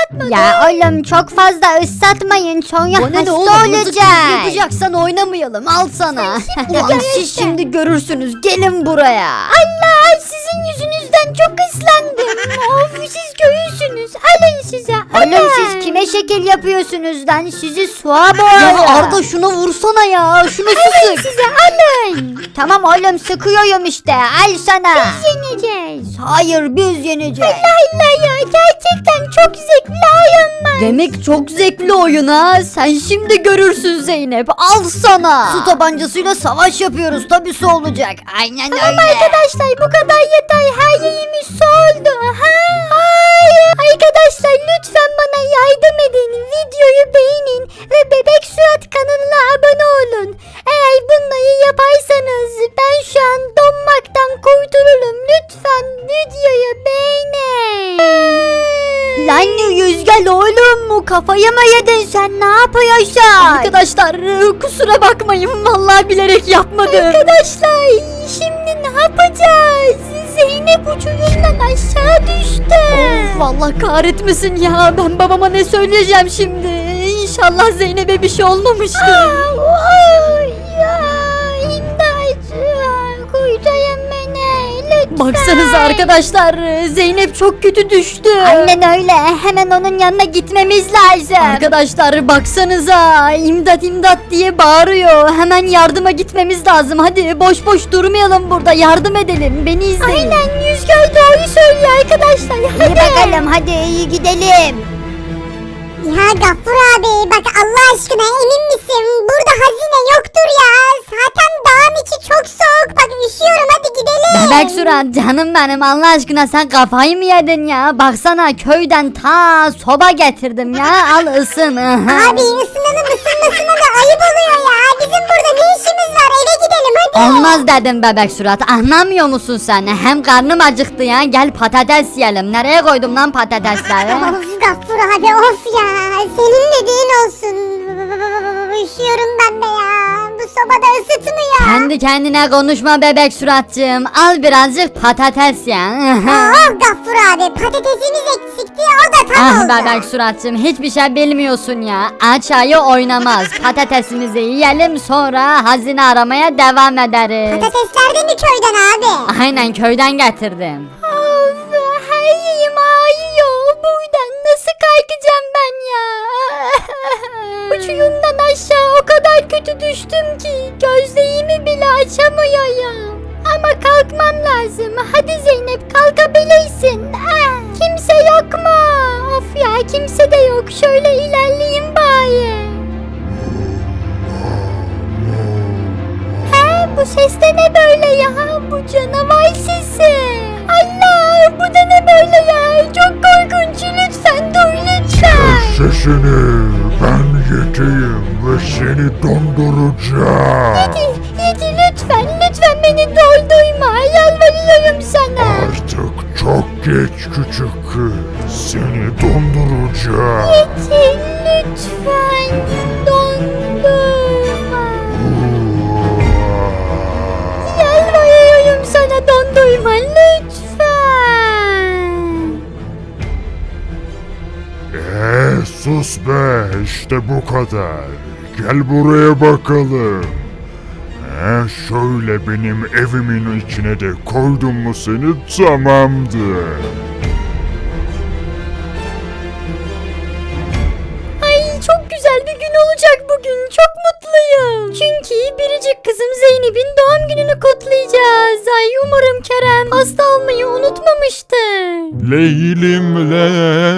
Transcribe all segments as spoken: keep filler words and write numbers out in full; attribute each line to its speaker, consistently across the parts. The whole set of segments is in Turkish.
Speaker 1: ıslatmadım.
Speaker 2: Ya oğlum çok fazla ıslatmayın sonra
Speaker 3: Bana ne
Speaker 2: hasta
Speaker 3: oğlum, mızık mızık
Speaker 2: olacak.
Speaker 3: yapacaksan oynamayalım, al sana. Ulan
Speaker 1: gör
Speaker 3: siz
Speaker 1: işte.
Speaker 3: şimdi görürsünüz, gelin buraya.
Speaker 1: Allah, sizin yüzünüzden çok ıslandım. Of, siz göğüsünüz. Alın size. Alın.
Speaker 2: Oğlum siz kime şekil yapıyorsunuz lan? Sizi suğa
Speaker 3: Ya
Speaker 2: boğarım.
Speaker 3: Arda şuna vursana ya, şunu sık.
Speaker 1: Size alın.
Speaker 2: Tamam oğlum sıkıyorum işte al sana.
Speaker 1: Yeneceğiz.
Speaker 2: Hayır biz yeneceğiz.
Speaker 1: Allah ya, gerçekten çok zevkli oyun var.
Speaker 3: Demek çok zevkli oyun ha. Sen şimdi görürsün Zeynep. Al sana. Su tabancasıyla savaş yapıyoruz. Tabii olacak.
Speaker 2: Aynen
Speaker 1: Tamam
Speaker 2: öyle.
Speaker 1: arkadaşlar, bu kadar yeter. Her yerimiz su oldu. Ha? Hayır. Arkadaşlar lütfen bana yardım edin. Videoyu beğenin ve Bebek Suat kanalına abone olun. Eğer bunları yaparsanız ben şu an donmaktan kurtulurum. Lütfen videoyu beğenin.
Speaker 2: Lan Yüzgel oğlum mu kafayı mı yedin sen ne yapıyorsun?
Speaker 3: Arkadaşlar kusura bakmayın. Vallahi bilerek yapmadım.
Speaker 1: Arkadaşlar şimdi ne yapacağız? Zeynep uçurumdan aşağı düştü.
Speaker 3: Of, vallahi kahretmesin ya. Ben babama ne söyleyeceğim şimdi? İnşallah Zeynep'e bir şey olmamıştır.
Speaker 1: Ay ya, imdat. Kurtarın beni lütfen.
Speaker 3: Baksanıza arkadaşlar, Zeynep çok kötü düştü.
Speaker 2: Aynen öyle hemen onun yanına gitmemiz lazım.
Speaker 3: Arkadaşlar baksanıza, imdat imdat diye bağırıyor. Hemen yardıma gitmemiz lazım. Hadi boş boş durmayalım burada, yardım edelim. Beni izleyin.
Speaker 1: Aynen, Yüzgör doğru söylüyor arkadaşlar.
Speaker 2: İyi
Speaker 1: Hadi.
Speaker 2: bakalım hadi iyi gidelim.
Speaker 4: Ya Gaffur abi bak Allah aşkına emin misin? Burada hazine yoktur ya. Zaten dağın içi çok soğuk. Bak üşüyorum hadi gidelim.
Speaker 2: Bebek Surat canım benim Allah aşkına sen kafayı mı yedin ya? Baksana köyden ta soba getirdim ya al ısın.
Speaker 4: Abi ısınanın ısınmasına da ayıp oluyor ya. Bizim burada ne işimiz var? Eve gidelim hadi.
Speaker 2: Olmaz dedim Bebek Surat anlamıyor musun sen? Hem karnım acıktı ya gel patates yiyelim. Nereye koydum lan patatesleri?
Speaker 4: Of Gaffur abi of ya. Senin dediğin olsun. Üşüyorum ben de ya. Bu sobada ısıtmıyor.
Speaker 2: Kendi kendine konuşma Bebek Suratcığım. Al birazcık patates ya.
Speaker 4: Oh Gaffur abi patatesimiz eksikti o da tam
Speaker 2: Ah
Speaker 4: oldu.
Speaker 2: Bebek Suratcığım hiçbir şey bilmiyorsun ya. Aç ayı oynamaz. Patatesimizi yiyelim sonra hazine aramaya devam ederiz.
Speaker 4: Patatesler de mi köyden abi?
Speaker 2: Aynen köyden getirdim.
Speaker 1: Of, her yerim ağrıyor. Buradan nasıl kalkacağım ben ya? Uçurumdan aşağı o kadar kötü düştüm ki gözlerimi bile açamıyorum. Ama kalkmam lazım. Hadi Zeynep kalkabilirsin. Ah, kimse yok mu? Of ya kimse de yok. Şöyle ilerleyeyim bari. He, bu ses de ne böyle ya? Bu canavar sesi. Allah, bu da ne böyle ya? Çok korkunç. Lütfen dur lütfen.
Speaker 5: Sesini ben yeteyim ve seni donduracağım.
Speaker 1: Yedi, yedi lütfen. Lütfen beni doldurma. Yalvarıyorum sana.
Speaker 5: Artık çok geç küçük kız. Seni donduracağım.
Speaker 1: Yedi lütfen. Dondurma. Yalvarıyorum sana dondurma. Lütfen.
Speaker 5: Eee sus be işte bu kadar. Gel buraya bakalım. He, şöyle benim evimin içine de koydum mu seni tamamdır.
Speaker 1: Ay çok güzel bir gün olacak bugün. Çok mutluyum. Çünkü biricik kızım Zeynep'in doğum gününü kutlayacağız. Ay umarım Kerem hasta olmayı unutmamıştır.
Speaker 5: Leylim ley,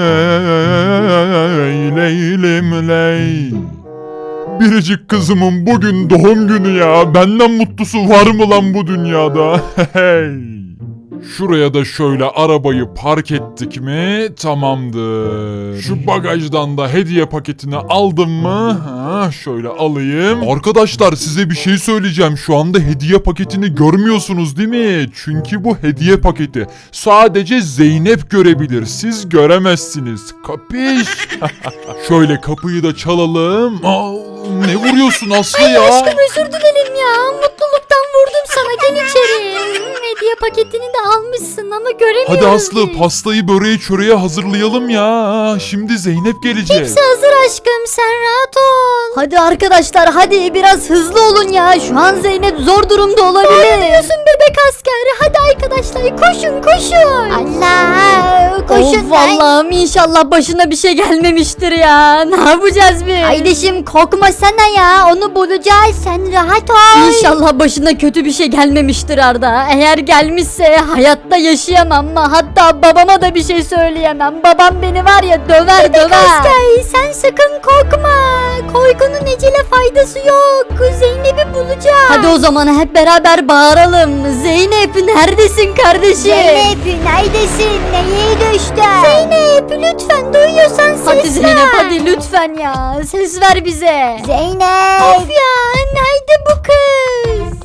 Speaker 5: leylim ley. Biricik kızımın bugün doğum günü ya. Benden mutlusu var mı lan bu dünyada? Hey. Şuraya da şöyle arabayı park ettik mi tamamdır. Şu bagajdan da hediye paketini aldım mı? Ha, şöyle alayım. Arkadaşlar size bir şey söyleyeceğim. Şu anda hediye paketini görmüyorsunuz değil mi? Çünkü bu hediye paketi sadece Zeynep görebilir. Siz göremezsiniz. Kapış? Şöyle kapıyı da çalalım. Aa, ne vuruyorsun Aslı ya?
Speaker 1: Aşkım özür dilerim ya. Mutluluk
Speaker 3: yanlışlıkla vurdum sana, gel içeri. Hediye paketini de almışsın ama göremiyorum.
Speaker 5: Hadi Aslı pastayı böreği çöreği hazırlayalım ya. Şimdi Zeynep gelecek.
Speaker 3: Hepsi hazır aşkım, sen rahat ol. Hadi arkadaşlar, hadi biraz hızlı olun ya. Şu an Zeynep zor durumda olabilir. Ne diyorsun bebek asker? Hadi arkadaşlar koşun koşun.
Speaker 1: Allah koşun
Speaker 3: Of Allah'ım, inşallah başına bir şey gelmemiştir ya. Ne yapacağız biz?
Speaker 1: Kardeşim korkmasana ya, onu bulacağız, sen rahat ol.
Speaker 3: İnşallah başına kötü bir şey gelmemiştir Arda. Eğer gelmişse hayatta yaşayamam. Hatta babama da bir şey söyleyemem. Babam beni var ya döver döver.
Speaker 1: Asker sen sakın korkma, korkunun ecele faydası yok, Zeynep'i bulacağız.
Speaker 3: Hadi o zaman hep beraber bağıralım. Zeynep neredesin kardeşim?
Speaker 1: Zeynep neredesin, neye düştün? Zeynep lütfen duyuyorsan ses
Speaker 3: Hadi Zeynep
Speaker 1: ver.
Speaker 3: hadi lütfen ya. Ses ver bize.
Speaker 1: Zeynep. Of ya, nerede bu kız?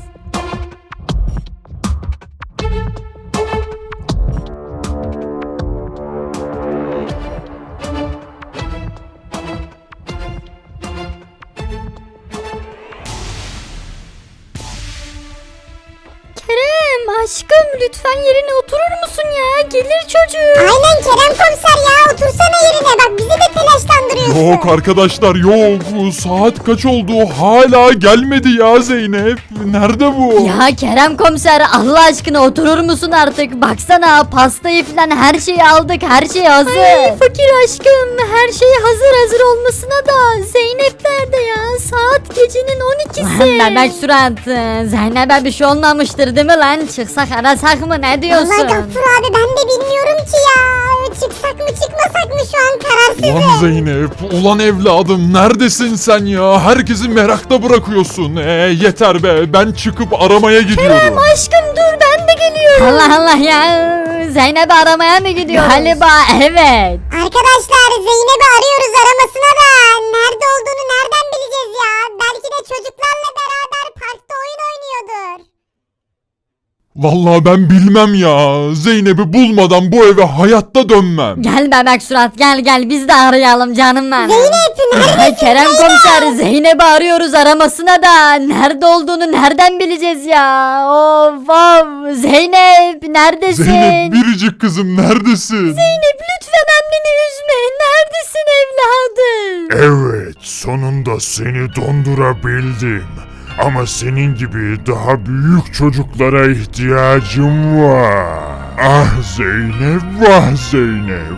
Speaker 3: Kerem aşkım lütfen yerine oturur musun ya? Gelir çocuk.
Speaker 4: Aynen Kerem komiser ya, otursana yerine, bak bizi de telaşlandırıyorsun.
Speaker 5: Yok arkadaşlar yok. Saat kaç oldu? Hala gelmedi ya Zeynep. Nerede bu?
Speaker 3: Ya Kerem komiser Allah aşkına oturur musun artık? Baksana pastayı falan her şeyi aldık, her şey hazır.
Speaker 1: Ay fakir aşkım, her şey hazır hazır olmasına da Zeynep nerede ya? Saat gecenin on ikisi.
Speaker 3: Bebek surat, Zeynep'e bir şey olmamıştır değil mi lan? Çıksak arasak mı, ne diyorsun?
Speaker 4: Vallahi Gaffur abi ben de bilmiyorum ki ya. Çıksak mı çıkmasak mı, şu an kararsızım.
Speaker 5: Ulan Zeynep, ulan evladım neredesin sen ya? Herkesi merakta bırakıyorsun. Ee, yeter be, ben çıkıp aramaya gidiyorum.
Speaker 1: Aşkım dur, ben de geliyorum.
Speaker 3: Allah Allah ya, Zeynep'i aramaya mı gidiyor? Galiba evet.
Speaker 4: Arkadaşlar Zeynep'i arıyoruz, aramasına da nerede olduğunu nereden bileceğiz ya? Belki de çocuklarla beraber parkta oyun oynuyordur.
Speaker 5: Vallahi ben bilmem ya. Zeynep'i bulmadan bu eve hayatta dönmem.
Speaker 3: Gel bebek surat, gel gel biz de arayalım canım benim.
Speaker 4: Zeynep neredesin?
Speaker 3: Kerem komiser, Zeynep'i arıyoruz, aramasına da nerede olduğunu nereden bileceğiz ya? Of of, Zeynep neredesin?
Speaker 5: Zeynep biricik kızım neredesin?
Speaker 1: Zeynep lütfen anneni üzme. Neredesin evladım?
Speaker 6: Evet, sonunda seni dondurabildim. Ama senin gibi daha büyük çocuklara ihtiyacım var. Ah Zeynep, vah Zeynep.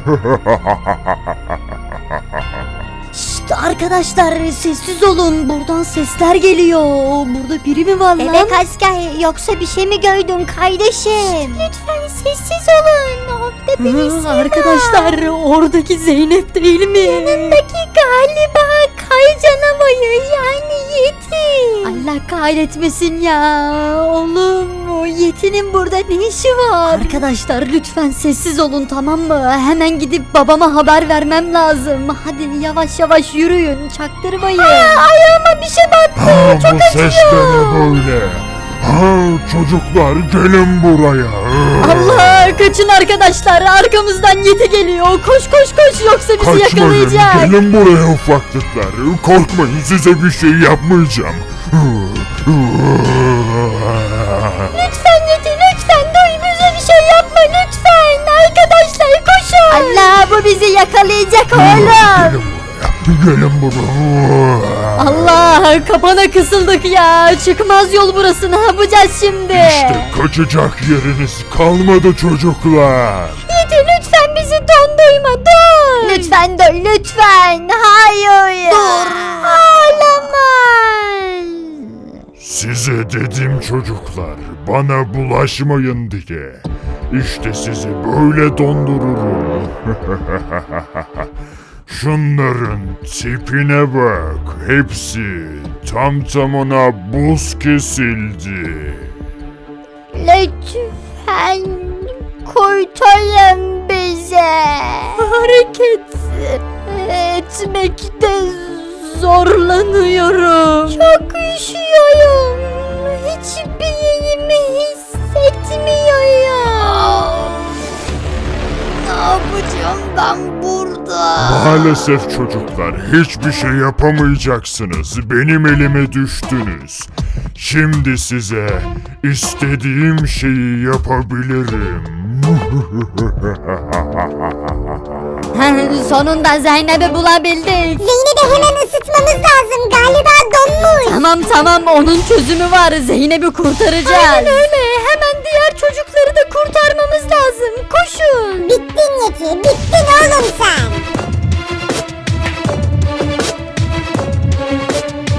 Speaker 3: Şşt arkadaşlar sessiz olun, buradan sesler geliyor. Burada biri mi var lan?
Speaker 1: Bebek asker, yoksa bir şey mi gördün kardeşim? Lütfen sessiz olun. Orada birisi
Speaker 3: Hı, arkadaşlar oradaki Zeynep değil mi?
Speaker 1: Yanındaki galiba kay canavarı, yani Yeti.
Speaker 3: Allah kahretmesin ya. Oğlum o Yeti'nin burada ne işi var? Arkadaşlar lütfen sessiz olun, tamam mı? Hemen gidip babama haber vermem lazım. Hadi yavaş yavaş yürüyün, çaktırmayın.
Speaker 1: Ayağıma bir şey battı.
Speaker 6: Ha, bu ses de ne böyle? Ha, çocuklar gelin buraya.
Speaker 3: Allah, kaçın arkadaşlar, arkamızdan Yeti geliyor. Koş koş koş, yoksa bizi
Speaker 6: Kaçmayın,
Speaker 3: yakalayacak.
Speaker 6: gelin buraya ufaklıklar. Korkmayın, size bir şey yapmayacağım.
Speaker 1: Lütfen Yeti, lütfen duy, bize bir şey yapma lütfen. Arkadaşlar koşun.
Speaker 3: Allah, bu bizi yakalayacak oğlum.
Speaker 6: Gelin buraya, gelin buraya.
Speaker 3: Allah, kapana kısıldık ya. Çıkmaz yol burası, ne yapacağız şimdi?
Speaker 6: İşte kaçacak yeriniz kalmadı çocuklar.
Speaker 1: Yeti lütfen bizi dondurma, dur.
Speaker 3: Lütfen dur, lütfen. Hayır.
Speaker 1: Dur. Ağlama.
Speaker 6: Size dedim çocuklar, bana bulaşmayın diye. İşte sizi böyle dondururum. Şunların tipine bak, hepsi tam tamına buz kesildi.
Speaker 1: Lütfen kurtarın bize.
Speaker 3: Hareket etmekte zorlanıyorum.
Speaker 1: Çok üşüyorum. Hiçbir yerimi hissetmiyorum.
Speaker 3: Ne yapacağım ben burada?
Speaker 6: Maalesef çocuklar hiçbir şey yapamayacaksınız. Benim elime düştünüz. Şimdi size istediğim şeyi yapabilirim.
Speaker 2: Sonunda Zeynep'i bulabildik.
Speaker 4: Zeynep'i hemen ısıtmamız lazım. Galiba donmuş.
Speaker 2: Tamam tamam onun çözümü var. Zeynep'i kurtaracağız.
Speaker 1: Aynen öyle. Hemen diğer çocukları da kurtarmamız lazım. Koşun.
Speaker 4: Bittin Yeti. Bittin oğlum sen.